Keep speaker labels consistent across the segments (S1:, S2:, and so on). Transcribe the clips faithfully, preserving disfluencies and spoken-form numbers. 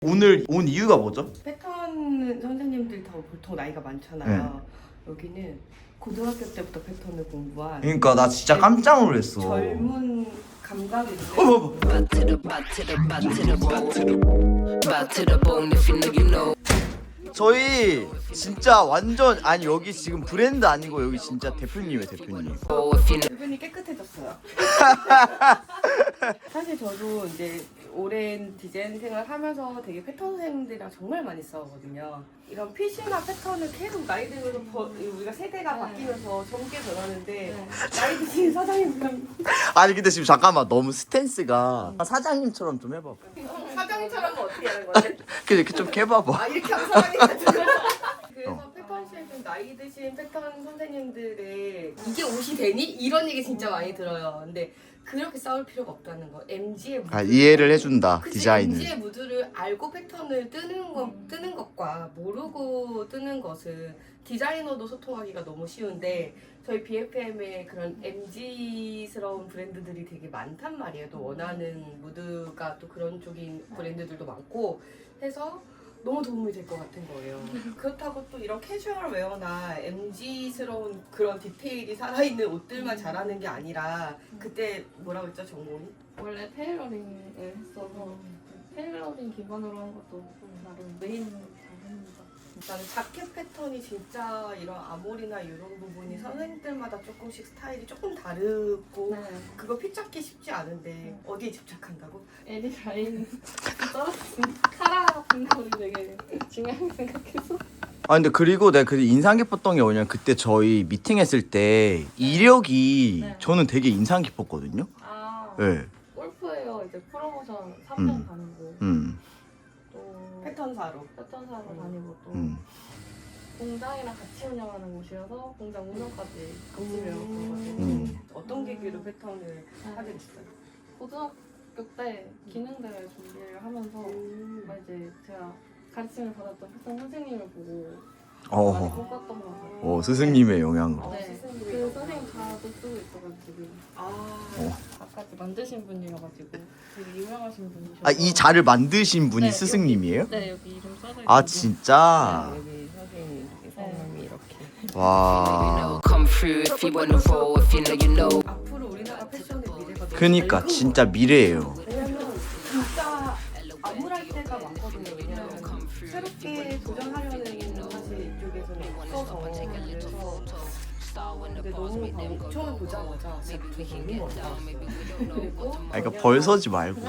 S1: 오늘 온 이유가 뭐죠?
S2: 패턴 선생님들 다 보통 나이가 많잖아요. 네. 여기는 고등학교 때부터 패턴을 공부한
S1: 그러니까 나 진짜 깜짝 놀랐어.
S2: 젊은 감각이 있는
S1: 어머, 저희 진짜 완전 아니 여기 지금 브랜드 아니고 여기 진짜 대표님이에요 대표님.
S2: 주변이 깨끗해졌어요. 사실 저도 이제 오랜 디자인 생활 하면서 되게 패턴 선생님들이랑 정말 많이 싸우거든요. 이런 핏이나 패턴을 계속 나이 들면서 버, 우리가 세대가
S3: 네.
S2: 바뀌면서 젊게 변하는데
S3: 네.
S2: 나이 드신 사장님이랑
S1: 아니 근데 지금 잠깐만 너무 스탠스가 사장님처럼 좀 해봐봐.
S2: 사장님처럼은 어떻게 하는 건데?
S1: 그래 이렇게 좀 해봐봐.
S2: 아 이렇게 하면 사장님 같은 그래서 패턴실 좀 나이 드신 패턴 선생님들의 이게 옷이 되니? 이런 얘기 진짜 많이 들어요. 근데 그렇게 싸울 필요가 없다는 거. 엠지의 무드.
S1: 아, 이해를 해준다
S2: 그치,
S1: 디자인을.
S2: 엠지의 무드를 알고 패턴을 뜨는 거 뜨는 것과 모르고 뜨는 것은 디자이너도 소통하기가 너무 쉬운데 저희 비에프엠에 그런 엠지스러운 브랜드들이 되게 많단 말이에요. 또 원하는 무드가 또 그런 쪽인 브랜드들도 많고 해서 너무 도움이 될 것 같은 거예요. 그렇다고 또 이런 캐주얼 웨어나 엠지스러운 그런 디테일이 살아있는 옷들만 잘하는 게 아니라 그때 뭐라고 했죠 전공이?
S3: 원래 테일러링을 했어서 테일러링 기반으로 한 것도 나름 메인 잘합니다.
S2: 나는 자켓 패턴이 진짜 이런 아몰이나 이런 부분이 선생님들마다 조금씩 스타일이 조금 다르고
S3: 네.
S2: 그거 핏 잡기 쉽지 않은데 어디에 집착한다고?
S3: 에디 라인 떨어진 카라 같은 거를 되게 중요하게 생각해서
S1: 아 근데 그리고 내가 그 인상 깊었던 게 뭐냐면 그때 저희 미팅했을 때 이력이
S3: 네.
S1: 저는 되게 인상 깊었거든요.
S3: 아
S1: 네.
S3: 골프웨어 이제 프로모션 삼 년
S1: 음.
S3: 다니고
S1: 음.
S3: 또
S2: 패턴사로.
S3: 패턴사로
S2: 음.
S3: 다니고 또
S1: 음.
S3: 공장이랑 같이 운영하는 곳이어서 공장 운영까지 같이 배웠거든요.
S1: 음.
S2: 어떤 계기로 패턴을
S3: 네.
S2: 하게 됐어요?
S3: 고등학교 때 기능대회 준비를 하면서
S2: 음.
S3: 이제 제가 가르침을 받았던 패턴 선생님을 보고 많이
S1: 어.
S3: 꿈꿨던 것 같아요.
S1: 어 스승님의 영향으로.
S2: 어,
S3: 네,
S2: 스승님이
S3: 그
S2: 그렇구나.
S3: 선생님 자도 쓰고 있어가지고
S2: 아,
S1: 어.
S3: 아까 만드신 분이어가지고 되게 유명하신 분이셔서
S1: 아 이 자를 만드신 분이
S3: 네,
S1: 스승님이에요?
S3: 네 여기 이름 써져 있는
S1: 아 진짜?
S2: 여기 선생님 성함이 이렇게.
S1: 와.
S4: Come through if you wanna roll, if you know you know.
S2: 앞으로 우리나라 패션의 미래가 너무
S1: 그니까
S2: 밝은
S1: 진짜
S2: 것
S1: 미래예요.
S2: 같아요. 왜냐면 진짜 암울할 때가 많거든요. 왜냐면 새롭게 도전하려는 사실 이쪽에서는 없어서 그래서 근데 너무 방금 처음 보자마자 진짜 너무 멋있었어요. 그리고
S1: 아 그러니까 벌 서지 말고.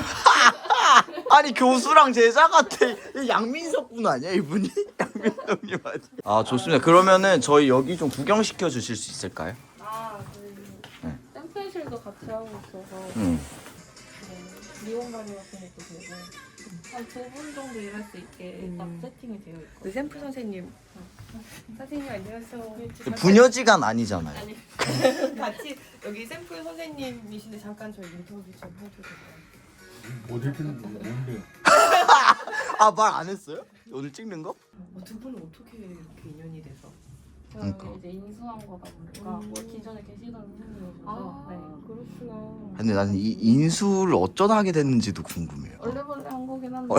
S1: 아니 교수랑 제자 같아. 이 양민석 분 아니야 이분이? 양민석님 아니야? 아 좋습니다. 그러면은 저희 여기 좀 구경시켜 주실 수 있을까요?
S3: 아 저희
S1: 네.
S3: 샘플실도 같이 하고 있어서
S1: 응.
S3: 네, 미용 관리 같은 것도 되고 한 두 분 정도 일할 수 있게 딱
S2: 음.
S3: 세팅이 되어 있고
S2: 그 샘플 선생님 선생님 안녕하세요.
S1: 부녀지간 아니잖아요.
S3: 아니
S2: 같이 여기 샘플 선생님이신데 잠깐 저희 인터뷰 좀 해줘도 돼요?
S5: 어딜 찍는 거예요? 뭔데?
S1: 아 말 안 했어요? 오늘 찍는 거?
S2: 어, 두 분은 어떻게 이렇게 인연이 돼서?
S3: 제가
S1: 그러니까.
S3: 이제 인수한 거다 보니까
S2: 음.
S3: 뭐 기존에 계시던 선생님이셔서
S2: 아
S3: 네.
S2: 그렇구나.
S1: 근데 나는 이 인수를 어쩌다 하게 됐는지도 궁금해요.
S3: 원래벌레 한 거긴 한데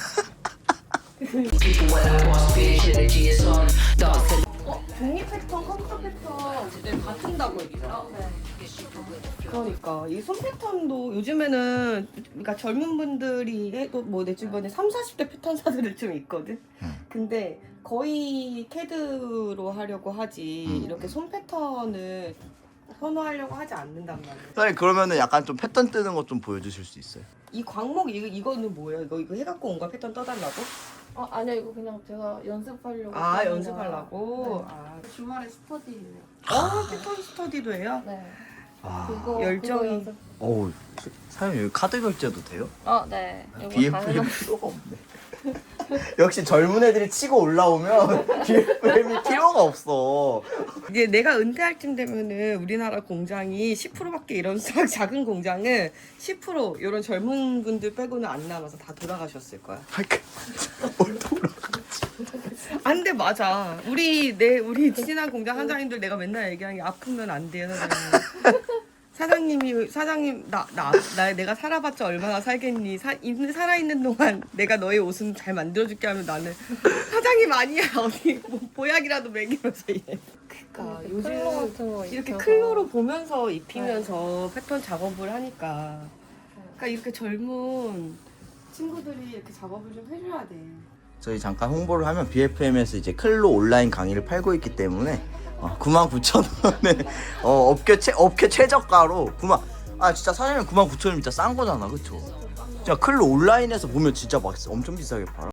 S2: 어? 종이 패턴, 컴퓨터 패턴 다 튼다고 했죠?
S3: 네.
S2: 그러니까 이 손 패턴도 요즘에는 그러니까 젊은 분들이 해도 뭐 내 주변에 삼, 사십 대 패턴사들을 좀 있거든.
S1: 음.
S2: 근데 거의 캐드로 하려고 하지
S1: 음.
S2: 이렇게 손 패턴을 선호하려고 하지 않는단 말이야.
S1: 선생님 그러면은 약간 좀 패턴 뜨는 것 좀 보여주실 수 있어요?
S2: 이 광목 이거 이거는 뭐예요? 이거 이거 해갖고 온 거야 패턴 떠달라고?
S3: 어 아니야 이거 그냥 제가 연습하려고
S2: 아
S3: 하는
S2: 연습하려고.
S3: 네.
S2: 아,
S3: 주말에 스터디예요.
S2: 어 패턴 스터디도 해요?
S3: 네.
S1: 아,
S3: 그거
S2: 열정이.
S3: 그거 연습.
S1: 어우 사장님 여기 카드 결제도 돼요?
S3: 어 네. 이거
S1: 비에프엠
S3: 가능한-
S1: 필요가 없네. 역시 젊은 애들이 치고 올라오면 비에프엠이 필요가 없어.
S2: 이제 내가 은퇴할 쯤 되면은 우리나라 공장이 십 퍼센트밖에 이런 사- 작은 공장은 십 퍼센트 이런 젊은 분들 빼고는 안 남아서 다 돌아가셨을 거야.
S1: 뭘 돌아가지?
S2: 안 돼 맞아. 우리 내 우리 친한 공장 한장님들 내가 맨날 얘기하는 게 아프면 안 돼요 선생님. 사장님이 사장님 나 나 나 내가 살아봤자 얼마나 살겠니? 사, 있는 살아 있는 동안 내가 너의 옷은 잘 만들어줄게 하면 나는 사장님 아니야 어디 뭐 보약이라도 먹이면서 이래. 그러니까
S3: 이렇게 클로 같은 거
S2: 이렇게
S3: 입혀서.
S2: 클로로 보면서 입히면서 패턴 작업을 하니까 그러니까 이렇게 젊은 친구들이 이렇게 작업을 좀 해줘야 돼.
S1: 저희 잠깐 홍보를 하면 비에프엠에서 이제 클로 온라인 강의를 팔고 있기 때문에 어, 구만 구천 원에 어, 업계 최 업계 최저가로 구만 아 진짜 사장님 구만 구천 원 진짜 싼 거잖아, 그쵸? 진짜 클로 온라인에서 보면 진짜 막 엄청 비싸게 팔아.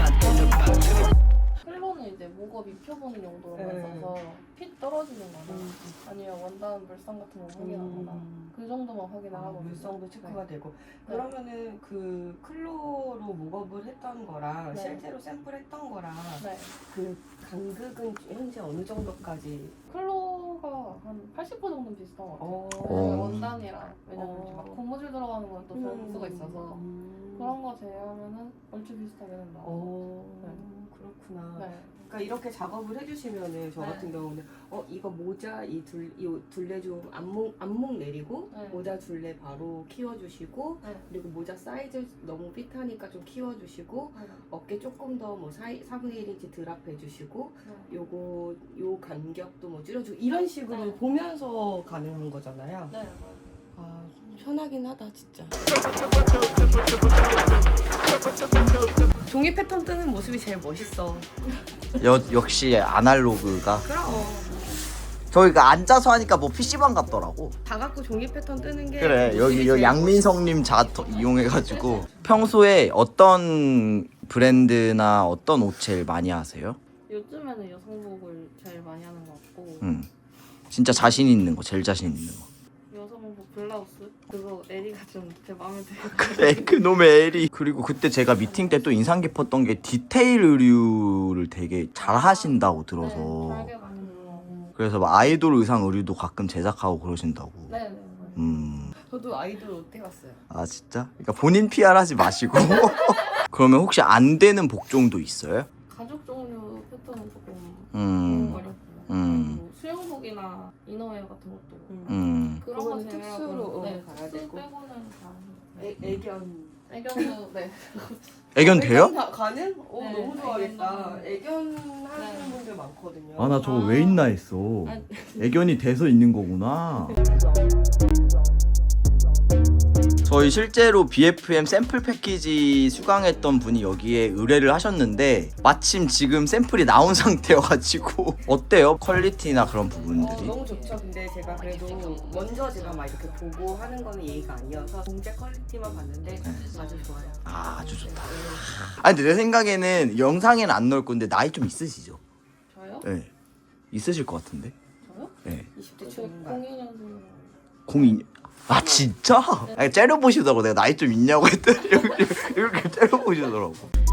S3: 클로는 이제 목업 입혀보는 용도로만
S2: 네.
S3: 써서 핏 떨어지는 거나
S2: 음.
S3: 아니면 원단 물성 같은 거 확인하거나
S2: 음.
S3: 그 정도만 확인을
S2: 아,
S3: 하고
S2: 물성도 체크가 되고
S3: 네.
S2: 그러면은 그 클로로 목업을 했던 거랑
S3: 네.
S2: 실제로 샘플했던 거랑
S3: 네.
S2: 그 간극은 현재 어느 정도까지?
S3: 클로가 한 팔십 퍼센트 정도는 비슷한 것 같아요.
S2: 어.
S3: 왜냐면 원단이랑 왜냐면
S2: 어.
S3: 이제 막 고무줄 들어가는 건 또 별
S2: 음.
S3: 수가 있어서
S2: 음.
S3: 그런 거 제외하면은 얼추 비슷하게는 나와요.
S2: 어, 그렇구나.
S3: 네.
S2: 그러니까 이렇게 작업을 해주시면은 저
S3: 네.
S2: 같은 경우는 어 이거 모자 이 둘 이 둘레 좀 안목 안목 내리고
S3: 네.
S2: 모자 둘레 바로 키워주시고
S3: 네.
S2: 그리고 모자 사이즈 너무 핏하니까 좀 키워주시고
S3: 네.
S2: 어깨 조금 더 뭐 사분의 일 인치 드랍해주시고
S3: 네.
S2: 요거 요 간격도 뭐 줄여주고 이런 식으로
S3: 네.
S2: 보면서 가능한 거잖아요.
S3: 네.
S2: 아 편하긴 하다 진짜. 종이 패턴 뜨는 모습이 제일 멋있어.
S1: 여, 역시 아날로그가
S2: 그럼
S1: 저희가 앉아서 하니까 뭐 피시방 같더라고.
S2: 다 갖고 종이 패턴 뜨는 게
S1: 그래
S2: 모습이
S1: 여기 여
S2: 제일
S1: 양민성님 자토 이용해가지고 평소에 어떤 브랜드나 어떤 옷 제일 많이 하세요?
S3: 요즘에는 여성복을 제일 많이 하는 것 같고
S1: 음 진짜 자신 있는 거 제일 자신 있는 거.
S3: 여성복 블라우스 그거 에리가 좀 제 마음에 들어요.
S1: 그래 그놈의 에리. 그리고 그때 제가 미팅 때 또 인상 깊었던 게 디테일 의류를 되게 잘 하신다고 들어서
S3: 네, 잘게 많이 들어요.
S1: 그래서 막 아이돌 의상 의류도 가끔 제작하고 그러신다고.
S3: 네, 네, 네.
S1: 음.
S2: 저도 아이돌 옷 해봤어요.
S1: 아 진짜? 그러니까 본인 피알 하지 마시고. 그러면 혹시 안 되는 복종도 있어요?
S3: 가죽 종류 패턴은 조금
S1: 음.
S3: 어렵고
S1: 음.
S3: 뭐 수영복이나 이너웨어 같은 것도
S1: 음.
S3: 그런 거
S2: 그거는
S3: 제외하고
S2: 특수로,
S3: 네,
S2: 어, 가야
S3: 특수
S2: 되고.
S3: 빼고는 다
S2: 애, 애견.
S3: 애견도 네.
S1: 애견 돼요?
S2: 다 가능? 오
S3: 네,
S2: 너무 좋아하겠다.
S3: 애견도.
S2: 애견 하시는
S3: 네.
S2: 분들 많거든요.
S1: 아 나 저거
S3: 아.
S1: 왜 있나 했어.
S3: 아.
S1: 애견이 돼서 있는 거구나. 저희 실제로 비에프엠 샘플 패키지 수강했던 분이 여기에 의뢰를 하셨는데 마침 지금 샘플이 나온 상태여가지고 어때요? 퀄리티나 그런
S2: 어,
S1: 부분들이?
S2: 너무 좋죠. 근데 제가 그래도 먼저 제가 막 이렇게 보고 하는 거는 예의가 아니어서 공제 퀄리티만 봤는데 아주 좋아요.
S1: 아, 아주 좋다.
S2: 네.
S1: 아니 근데 내 생각에는 영상에는 안 넣을 건데 나이 좀 있으시죠?
S3: 저요?
S1: 네. 있으실 것 같은데?
S3: 저요?
S1: 네.
S2: 이십 대
S3: 저
S2: 중반.
S3: 공이 년생
S1: 공이 아 진짜? 아니 째려보시더라고. 내가 나이 좀 있냐고 했더니 이렇게, 이렇게 째려보시더라고.